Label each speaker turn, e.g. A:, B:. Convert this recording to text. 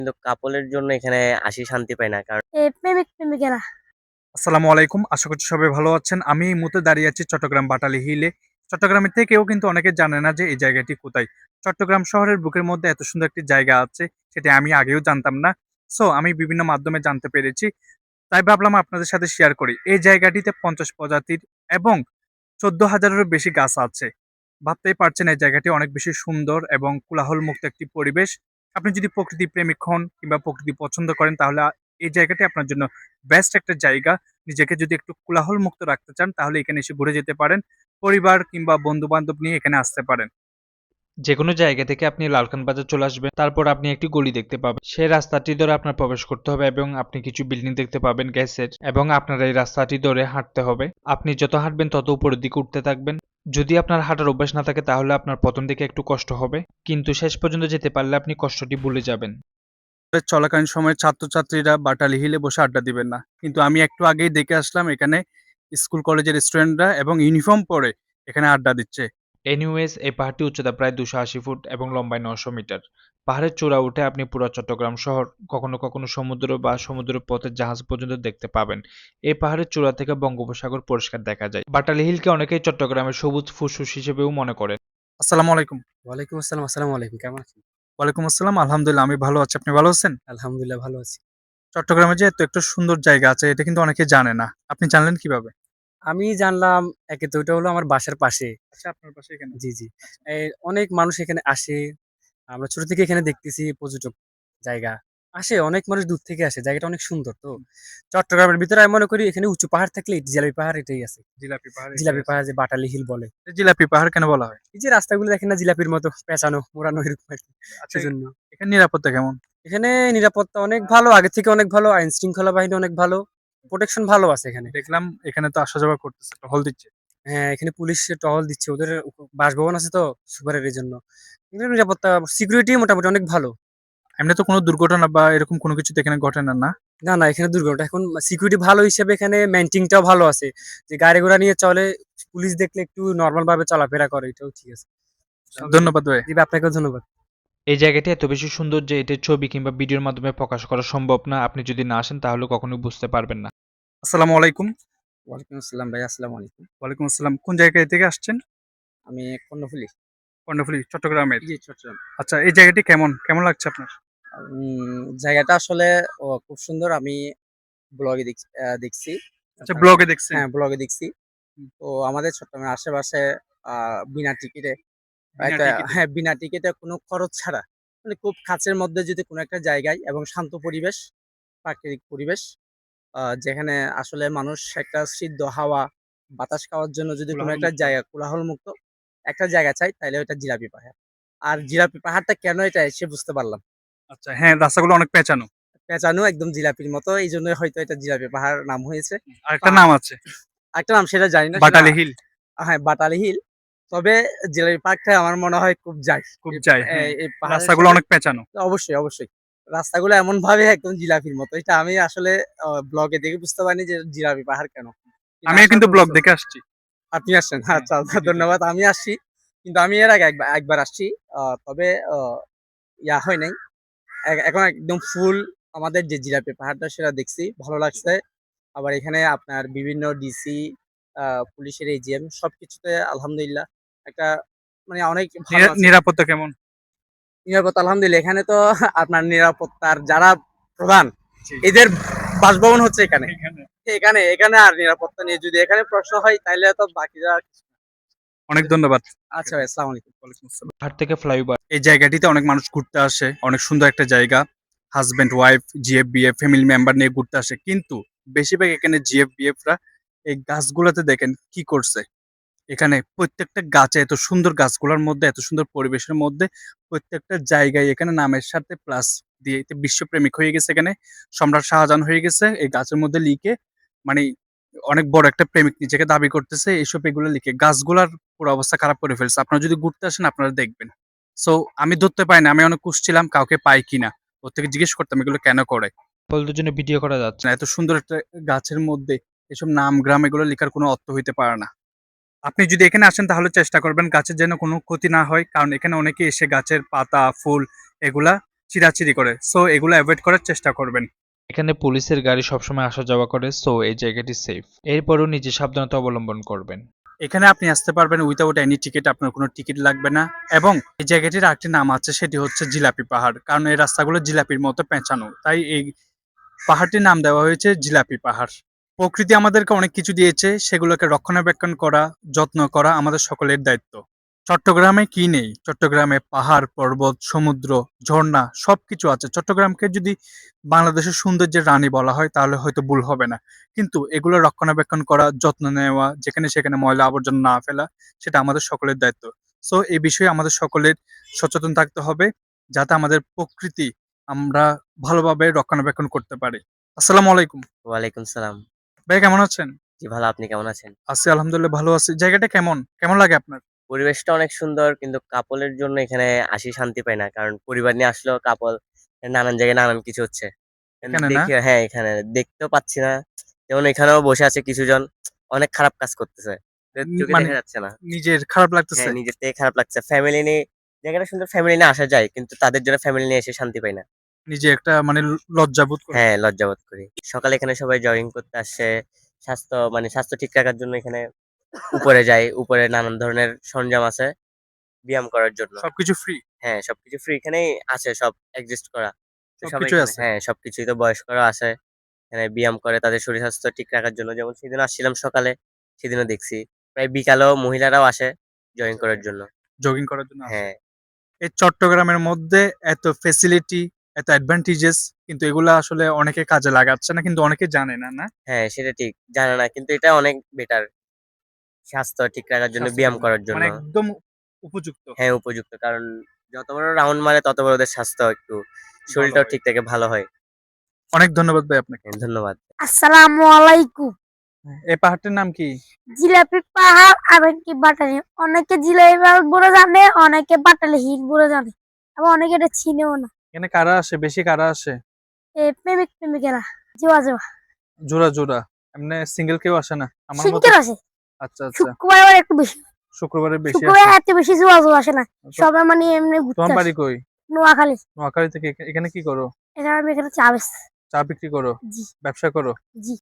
A: কিন্তু কাপলের জন্য এখানে আসি শান্তি পাই না। কারণ
B: প্রেমিক প্রেমিকেরা।
C: আসসালামু আলাইকুম। আশা করছি সবাই ভালো আছেন। আমি এই মুহূর্তে দাঁড়িয়ে আছি চট্টগ্রাম বাটালি হিলে। চট্টগ্রামের থেকেও কিন্তু অনেকে জানে না যে এই জায়গাটি কোথায়। চট্টগ্রাম শহরের বুকের মধ্যে এত সুন্দর একটি জায়গা আছে, সেটা আমি আগেও জানতাম না। সো আমি বিভিন্ন মাধ্যমে জানতে পেরেছি। তাই ভাবলাম আপনাদের সাথে শেয়ার করি। এই জায়গাটিতে ৫০ প্রজাতির এবং ১৪,০০০-এরও বেশি গাছ আছে। ভাবতেই পারছেন এই জায়গাটি অনেক বেশি সুন্দর এবং কোলাহলমুক্ত একটি পরিবেশ। আপনি যদি প্রকৃতি প্রেমিক হন কিংবা প্রকৃতি পছন্দ করেন তাহলে এই জায়গাটি আপনার জন্য বেস্ট একটা জায়গা। নিজেকে যদি একটু কোলাহল মুক্ত রাখতে চান তাহলে এখানে এসে ঘুরে যেতে পারেন। পরিবার কিংবা বন্ধু-বান্ধব নিয়ে এখানে আসতে পারেন।
D: যেকোনো জায়গা থেকে আপনি লালখান বাজার চলে আসবেন, তারপর আপনি একটি গলি দেখতে পাবেন। সেই রাস্তাটি ধরে আপনার প্রবেশ করতে হবে এবং আপনি কিছু বিল্ডিং দেখতে পাবেন গ্যাসের, এবং আপনার এই রাস্তাটি ধরে হাঁটতে হবে। আপনি যত হাঁটবেন তত উপরের দিকে উঠতে থাকবেন। যদি আপনার হাঁটার অভ্যাস না থাকে তাহলে আপনার প্রথম দিকে একটু কষ্ট হবে, কিন্তু শেষ পর্যন্ত যেতে পারলে আপনি কষ্টটি ভুলে যাবেন।
C: চলাকালীন সময়ে ছাত্রছাত্রীরা বাটালি হিলে বসে আড্ডা দিবেন না। কিন্তু আমি একটু আগেই দেখে আসলাম এখানে স্কুল কলেজের স্টুডেন্টরা এবং ইউনিফর্ম পরে এখানে আড্ডা দিচ্ছে।
D: এনিওয়েজ, এই পাহাড়টি উচ্চতা প্রায় ২৮০ ফুট এবং লম্বায় ৯০০ মিটার। পাহাড়ের চূড়া উঠে আপনি পুরো চট্টগ্রাম শহর, কখনো কখনো সমুদ্র বা সমুদ্র পথের জাহাজ পর্যন্ত দেখতে পাবেন। এই পাহাড়ের চূড়া থেকে বঙ্গোপসাগর পরিষ্কার দেখা যায়। বাটালি হিলকে অনেকেই চট্টগ্রামের সবুজ ফুসফুস হিসেবেও মনে করেন।
C: আসসালামু আলাইকুম।
E: ওয়ালাইকুম আসসালাম। আসসালামু আলাইকুম। কেমন আছেন?
C: ওয়ালাইকুম আসসালাম। আলহামদুলিল্লাহ আমি ভালো আছি। আপনি ভালো আছেন?
E: আলহামদুলিল্লাহ ভালো আছি।
C: চট্টগ্রামে যে এত একটা সুন্দর জায়গা আছে এটা কিন্তু অনেকে জানে না। আপনি জানলেন কিভাবে?
E: আমি জানলাম একে তো ওইটা হলো আমার বাসার পাশে।
C: আচ্ছা, আপনার পাশে এখানে।
E: জি, জি। অনেক মানুষ এখানে আসে। আমরা ছোট থেকে এখানে দেখতেছি পর্যটক জায়গা। আসে অনেক মানুষ দূর থেকে আসে। জায়গাটা অনেক সুন্দর তো। চট্টগ্রামের ভিতরে আমি মনে করি এখানে উঁচু পাহাড় থাকলে জিলাপি পাহাড় এটাই আছে।
C: জিলাপি পাহাড় এটাই
E: জিলাপি
C: আছে।
E: পাহাড় যে বাটালি হিল বলে।
C: জিলাপি পাহাড় কেন বলা হয়?
E: এই যে রাস্তাগুলো দেখেন না জিলাপির মতো পেঁচানো, মোড়ানো এরকম আরকি।
C: আচ্ছা,
E: সেজন্য।
C: এখানে নিরাপত্তা কেমন?
E: এখানে নিরাপত্তা অনেক ভালো, আগের থেকে অনেক ভালো। আইন শৃঙ্খলা বাহিনী অনেক ভালো। প্রোটেকশন ভালো আছে এখানে।
C: দেখলাম এখানে তো আসা যাওয়া করতেছে, টহল দিচ্ছে।
E: হ্যাঁ, এখানে পুলিশ টহল দিচ্ছে। ওদের বাসভবন আছে তো সুপারের এজন্য। কিন্তু নিরাপত্তা সিকিউরিটি মোটামুটি অনেক ভালো।
C: এমনি তো কোনো দুর্ঘটনা বা এরকম কোনো কিছু তো এখানে ঘটে না, না?
E: না, না এখানে দুর্ঘটনা এখন সিকিউরিটি ভালো হিসেবে এখানে মেইনটেইনটাও ভালো আছে। যে গাড়ি ঘোড়া নিয়ে চলে, পুলিশ দেখলে একটু নরমাল ভাবে চলাফেরা করে এটাও ঠিক আছে।
C: ধন্যবাদ ভাই।
E: জি, আপনাকেও ধন্যবাদ।
D: এই জায়গাটি এত বেশি সুন্দর যে এটির ছবি কিংবা ভিডিওর মাধ্যমে প্রকাশ করা সম্ভব না। আপনি যদি না আসেন তাহলে কখনোই বুঝতে পারবেন না।
C: আসসালামু আলাইকুম।
E: ওয়ালাইকুম আসসালাম ভাই, আসসালামু আলাইকুম।
C: ওয়ালাইকুম আসসালাম। কোন জায়গা থেকে আসছেন?
E: আমি কর্ণফুলী।
C: কর্ণফুলী, চট্টগ্রামের।
E: জি, চট্টগ্রাম।
C: আচ্ছা, এই জায়গাটি কেমন? কেমন লাগছে আপনার?
E: জায়গাটা আসলে খুব সুন্দর। আমি ব্লগে দেখছি।
C: আচ্ছা, ব্লগে দেখছেন?
E: হ্যাঁ, ব্লগে দেখছি।
C: হুম।
E: তো আমাদের চট্টগ্রামের আশেপাশে আ বিনা টিকিটে
C: বিনা
E: একটা
C: টিকিটে?
E: হ্যাঁ, বিনা টিকেটে কোনো খরচ ছাড়া মানে খুব কাছের মধ্যে যদি কোনো একটা জায়গায় এবং শান্ত পরিবেশ, প্রাকৃতিক পরিবেশ যেখানে আসলে মানুষ একটা সিদ্ধ হাওয়া, বাতাস খাওয়ার জন্য যদি কোনো
C: কোলাহল
E: একটা
C: মুক্ত।
E: জায়গা কোলাহলমুক্ত একটা জায়গা চাই তাইলে ওইটা জিলাপি পাহাড়। আর জিলাপি পাহাড়টা কেন এটা এসে বুঝতে পারলাম।
C: আচ্ছা, হ্যাঁ, রাস্তাগুলো অনেক পেঁচানো।
E: পেঁচানো একদম জিলাপির মতো এইজন্যই হয়তো এটা জিলাপি পাহাড় নাম হয়েছে। তো
C: আরেকটা নাম আছে,
E: আরেকটা নাম সেটা জানি না সেটা
C: বাটালি হিল।
E: হ্যাঁ, বাটালি হিল। তবে জিলাপি পার্কটা আমার মনে হয় খুব যায়।
C: খুব
E: এই
C: যায়, হ্যাঁ।
E: এই পাহাড়ের
C: রাস্তাগুলো
E: সাথে
C: অনেক পেঁচানো।
E: অবশ্যই, অবশ্যই। রাস্তাগুলো এমনভাবে একদম জিলাপির মতো। এটা আমি আসলে ব্লগে দেখে বুঝতে পারিনি যে জিলাপি পাহাড় কেন? কিন্তু
C: আমিও
E: আসার
C: কিন্তু
E: পর
C: ব্লগ
E: বুঝতে
C: দেখে
E: পারলাম।
C: আসছি।
E: আপনি আসছেন?
C: হ্যাঁ,
E: আচ্ছা, আচ্ছা
C: ভিডিও দেখে।
E: ধন্যবাদ। আমি আসছি। কিন্তু আমি এর আগে একবার আসছি। তবে ইয়া হয় নাই। এখন একদম ফুল আমাদের যে জিলাপি পাহাড়টা সেটা দেখছি। ভালো লাগছে। আবার এখানে আপনার বিভিন্ন ডিসি, আ পুলিশের এজিএম সবকিছুতে আলহামদুলিল্লাহ একটা মানে অনেক ভালো আছে।
C: নিরাপত্তা কেমন?
E: নিরাপত্তা আলহামদুলিল্লাহ। এখানে তো আপনার নিরাপত্তার যারা প্রধান
C: জি।
E: এদের বাসভবন হচ্ছে এখানে।
C: এখানে
E: এখানে আর নিরাপত্তা নিয়ে যদি এখানে প্রশ্ন হয় তাইলে তো বাকিরা
C: অনেক ধন্যবাদ।
E: আচ্ছা ভাই, আসসালামু আলাইকুম।
C: ওয়ালাইকুম আসসালাম।
D: পাহাড় থেকে ফ্লাইওভার।
C: এই জায়গাটিতে অনেক মানুষ ঘুরতে আসে। অনেক সুন্দর একটা জায়গা। Husband, wife, GF, BF family member নিয়ে ঘুরতে আসে। কিন্তু বেশিরভাগ এখানে জিএফ, বিএফ রা এই গাছগুলাতে দেখেন কি করছে। এখানে প্রত্যেকটা গাছে এত সুন্দর গাছগুলার মধ্যে, এত সুন্দর পরিবেশের মধ্যে প্রত্যেকটা জায়গায় এখানে নামের সাথে প্লাস দিয়ে এতে বিশ্বপ্রেমিক হয়ে গেছে এখানে। সম্রাট শাহজাহান হয়ে গেছে এই গাছের মধ্যে লিখে। মানে অনেক বড় একটা প্রেমিক নিজেকে দাবি করতেছে এইসব এগুলো লিখে। গাছগুলার পুরো অবস্থা খারাপ করে ফেলছে। আপনারা যদি ঘুরতে আসেন আপনারা দেখবেন। সো আমি ধরতে পাই না। আমি অনেক খুঁজছিলাম কাউকে পাই কিনা। ওর থেকে জিজ্ঞেস করতাম এগুলো কেন করে?
D: বলদের জন্য ভিডিও করা যাচ্ছে।
C: না, এত সুন্দর একটা গাছের মধ্যে এসব নাম গ্রাম এগুলো লেখার কোনো অর্থ হইতে পারে না। আপনি যদি এখানে আসেন তাহলে চেষ্টা করবেন গাছের যেন কোনো ক্ষতি না হয়। কারণ এখানে অনেকে এসে গাছের পাতা, ফুল এগুলা চিরাচিরি করে। সো এগুলো অ্যাভয়েড করার চেষ্টা করবেন।
D: এখানে পুলিশের গাড়ি সবসময় আসা যাওয়া করে, সো এই জায়গাটি সেফ। এরপরও নিজে সাবধানতা অবলম্বন করবেন।
C: এখানে আপনি আসতে পারবেন উইথাউট এনি টিকিট, আপনার কোনো টিকিট লাগবে না। এবং এই জায়গাটির আরেকটি নাম আছে, সেটি হচ্ছে জিলাপি পাহাড়, কারণ এই রাস্তাগুলো জিলাপির মতো পেঁচানো, তাই এই পাহাড়টির নাম দেওয়া হয়েছে জিলাপি পাহাড়। প্রকৃতি আমাদেরকে অনেক কিছু দিয়েছে, সেগুলোকে রক্ষণাবেক্ষণ করা, যত্ন করা আমাদের সকলের দায়িত্ব। চট্টগ্রামে কি নেই? চট্টগ্রামে পাহাড়, পর্বত, সমুদ্র, ঝর্ণা সবকিছু আছে। চট্টগ্রামকে যদি বাংলাদেশের সৌন্দর্যের রানী বলা হয় তাহলে হয়তো ভুল হবে না। কিন্তু এগুলো রক্ষণাবেক্ষণ করা, যত্ন নেওয়া, যেখানে সেখানে ময়লা আবর্জনা না ফেলা, সেটা আমাদের সকলের দায়িত্ব। সো এই বিষয়ে আমাদের সকলের সচেতন থাকতে হবে, যাতে আমাদের প্রকৃতি আমরা ভালোভাবে রক্ষণাবেক্ষণ করতে পারি। আসসালামু আলাইকুম।
A: ওয়ালাইকুম সালাম।
C: ভাই কেমন আছেন?
A: জি ভালো, আপনি কেমন আছেন?
C: আছি আলহামদুলিল্লাহ, ভালো আছি। জায়গাটা কেমন কেমন লাগে আপনার?
A: পরিবেশটা অনেক সুন্দর, কিন্তু কাপলের জন্য এখানে আসি শান্তি পাই না, কারণ পরিবার নিয়ে আসলেও কাপল নানান জায়গায় নানান কিছু হচ্ছে। কিন্তু
C: এখানে না?
A: দেখি, হ্যাঁ এখানে দেখতেও পাচ্ছি না। যেমন এখানেও বসে আছে কিছুজন, অনেক খারাপ কাজ করতেছে, চোখে
C: মানে
A: দেখা যাচ্ছে না।
C: নিজের খারাপ লাগতেছে?
A: হ্যাঁ, নিজের থেকে খারাপ লাগছে। ফ্যামিলি নিয়ে জায়গাটা সুন্দর, ফ্যামিলি নিয়ে আসা যায়, কিন্তু তাদের জন্য ফ্যামিলি নিয়ে এসে শান্তি পাই না।
C: নিজে একটা মানে লজ্জাবোধ করে।
A: হ্যাঁ, লজ্জাবোধ করি। সকালে এখানে সবাই জগিং করতে আসে। স্বাস্থ্য ঠিক রাখার জন্য এখানে উপরে যায়। উপরে নানান ধরনের সরঞ্জাম আছে ব্যায়াম করার জন্য।
C: সবকিছু ফ্রি?
A: হ্যাঁ, সবকিছু ফ্রি। এখানেই আছে সব অ্যাডজাস্ট করা। তো সবাই
C: সবকিছুই
A: এখানে,
C: আছে।
A: হ্যাঁ, সবকিছুই। তো বয়স্করাও আছে। এখানে ব্যায়াম করে তাদের শরীর স্বাস্থ্য ঠিক রাখার জন্য। যেমন সেদিন আসছিলাম সকালে, সেদিনও দেখছি। প্রায় বিকালেও মহিলারাও আসে জগিং করার জন্য।
C: জগিং করার জন্য আসে।
A: হ্যাঁ,
C: এই চট্টগ্রামের মধ্যে এত ফেসিলিটি, এত অ্যাডভান্টেজেস, কিন্তু এগুলা আসলে অনেকে কাজে লাগাচ্ছে না, কিন্তু অনেকে জানে না, না?
A: হ্যাঁ, সেটা ঠিক। জানে না, কিন্তু এটা অনেক বেটার। স্বাস্থ্য ঠিক রাখার জন্য,
C: স্বাস্থ্যের
A: ব্যায়াম
C: জন্য
A: করার
C: মানে
A: জন্য।
C: একদম উপযুক্ত।
A: হ্যাঁ, উপযুক্ত। কারণ যত বড় রাউন্ড মারে তত বড় ওদের স্বাস্থ্য একটু,
C: ভালো
A: শরীরটাও
C: হয়।
A: ঠিক থাকে, ভালো হয়।
C: অনেক ধন্যবাদ ভাই আপনাকে।
A: হ্যাঁ, ধন্যবাদ।
B: আসসালামু আলাইকুম।
C: এই পাহাড়টির নাম কি?
B: জিলাপি পাহাড় আর কি বাটালি, অনেকে জিলাপি পাহাড় বলে জানে, অনেকে বাটালি হিল বলে জানে, আবার অনেকে এটা চিনেও না।
C: এখানে কারা আসে, বেশি কারা আসে?
B: প্রেমিক প্রেমিকেরা, জোয়া জোয়া
C: জোড়া জোড়া? এমনি সিঙ্গেল কেউ আসে না আমার মতো?
B: সিঙ্কের আসে।
C: আচ্ছা আচ্ছা,
B: শুক্রবার আবার একটু বেশি,
C: শুক্রবারে বেশি
B: শুক্রবার
C: আসে।
B: এত বেশি জোয়া জোয়া আসে না,
C: তো
B: সবাই মানে এমনি ঘুরতে
C: তোমার
B: আসে।
C: বাড়ি কই?
B: নোয়াখালী।
C: নোয়াখালী থেকে এখানে কি করো?
B: এখানে আমি এখানে চা বেচি।
C: চা বিক্রি করো?
B: জি
C: ব্যবসা করো?
B: জি।